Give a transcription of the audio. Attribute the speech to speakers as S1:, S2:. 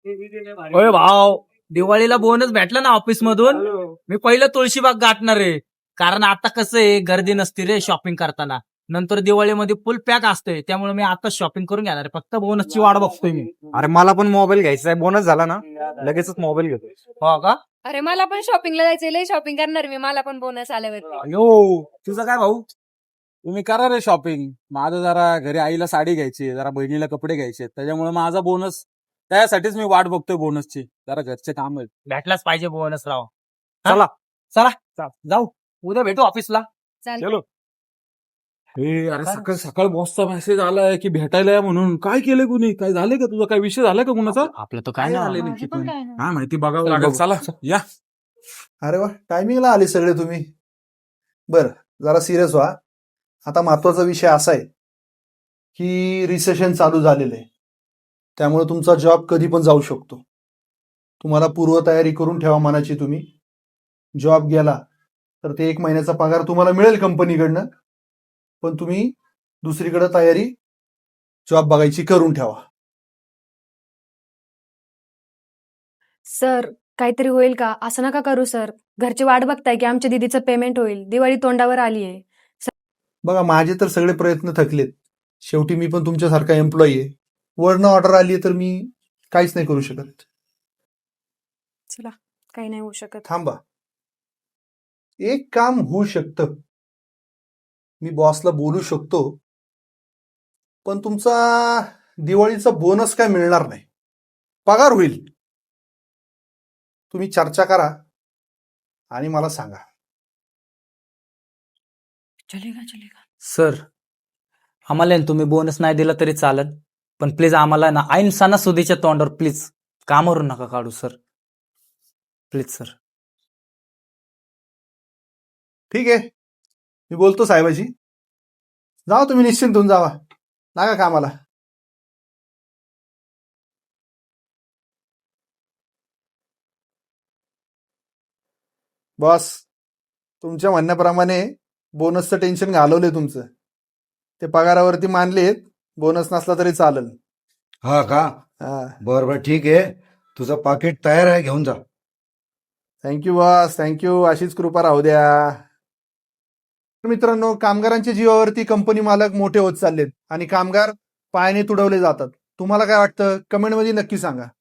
S1: होय भाव, दिवाळीला बोनस भेटला ना ऑफिस मधून. मी पहिलं तुळशीबाग गाठणार आहे. कारण आता कसं आहे, गर्दी नसते रे शॉपिंग करताना. नंतर दिवाळीमध्ये फुल पॅक असते, त्यामुळे मी आता शॉपिंग करून घेणार आहे. फक्त बोनसची वाट बघतोय मी.
S2: अरे मला पण मोबाईल घ्यायचा आहे, बोनस झाला ना लगेचच मोबाईल घेतो.
S1: हो का?
S3: अरे मला पण शॉपिंगला जायचंय, लय शॉपिंग करणार मी. मला पण बोनस आल्यावरती.
S1: अयो, तुझं काय भाऊ?
S4: तुम्ही करा रे शॉपिंग. माझं जरा घरी आईला साडी घ्यायची, जरा बहिणीला कपडे घ्यायचे, त्याच्यामुळे माझा बोनस, त्यासाठीच मी वाट बघतोय बोनसची. जरा घरचे काम आहेत.
S1: भेटलाच पाहिजे बोनस राव.
S4: चला.
S1: चला जाऊ, उद्या भेटू ऑफिसला.
S3: चालेल.
S4: अरे सकाळ सकाळ बॉसचा मेसेज आलाय की भेटायला या म्हणून. काय केलंय कुणी? काय झालंय का तुझा? काय विषय झालाय का कुणाचा?
S1: आपलं तर काय
S4: झालंय
S1: नाही.
S4: नक्की पण? काय माहिती, बघावं लागेल. चला या.
S5: अरे वा, टायमिंगला आले सगळे तुम्ही. बरं, जरा सिरियस व्हा. आता महत्वाचा विषय असा आहे की रिसेशन चालू झालेलं आहे, त्यामुळे तुमचा जॉब कधी पण जाऊ शकतो. तुम्हाला पूर्वतयारी करून ठेवा मनाची. तुम्ही जॉब गेला तर ते 1 महिन्याचा पगार तुम्हाला मिळेल कंपनीकडनं, पण तुम्ही दुसरीकडे तयारी जॉब बघायची करून ठेवा.
S6: सर, काहीतरी होईल का? असं नका करू सर. घरची वाट बघताय की आमच्या दीदीचं पेमेंट होईल. दिवाळी तोंडावर आली आहे.
S5: बघा, माझे तर सगळे प्रयत्न थकलेत. शेवटी मी पण तुमच्यासारखा एम्प्लॉई आहे. वरनं ऑर्डर आली तर मी काहीच नाही करू शकत.
S6: चला, काही नाही होऊ शकत.
S5: थांबा, एक काम होऊ शकतं. मी बॉसला बोलू शकतो, पण तुमचा दिवाळीचा बोनस काय मिळणार नाही. पगार होईल. तुम्ही चर्चा करा आणि मला सांगा.
S6: चलेगा.
S1: सर, आम्हाला आहे ना तुम्ही बोनस नाही दिला तरी चालेल, पण प्लीज आम्हाला ना ऐन सणासुदीच्या तोंडावर प्लीज कामावरून नका काढू सर. Please sir.
S5: ठीक आहे, मी बोलतो साहेबाशी. जावा तुम्ही, निश्चिंत होऊन जावा. लागा कामाला. बॉस, तुमच्या म्हणण्याप्रमाणे बोनसचं टेन्शन घालवलंय तुमचं. ते पगारावरती मानलेत, बोनस नसला तरी चालेल.
S2: हा का?
S5: हा,
S2: बर ठीक आहे, तुझं पाकिट तयार आहे, घेऊन जा.
S5: Thank you boss, thank you. अशीच कृपा राहू द्या. मित्रांनो, कामगारांच्या जीवावरती कंपनी मालक मोठे होत चाललेत आणि कामगार पायाने तुडवले जातात. तुम्हाला काय वाटतं? कमेंटमध्ये नक्की सांगा.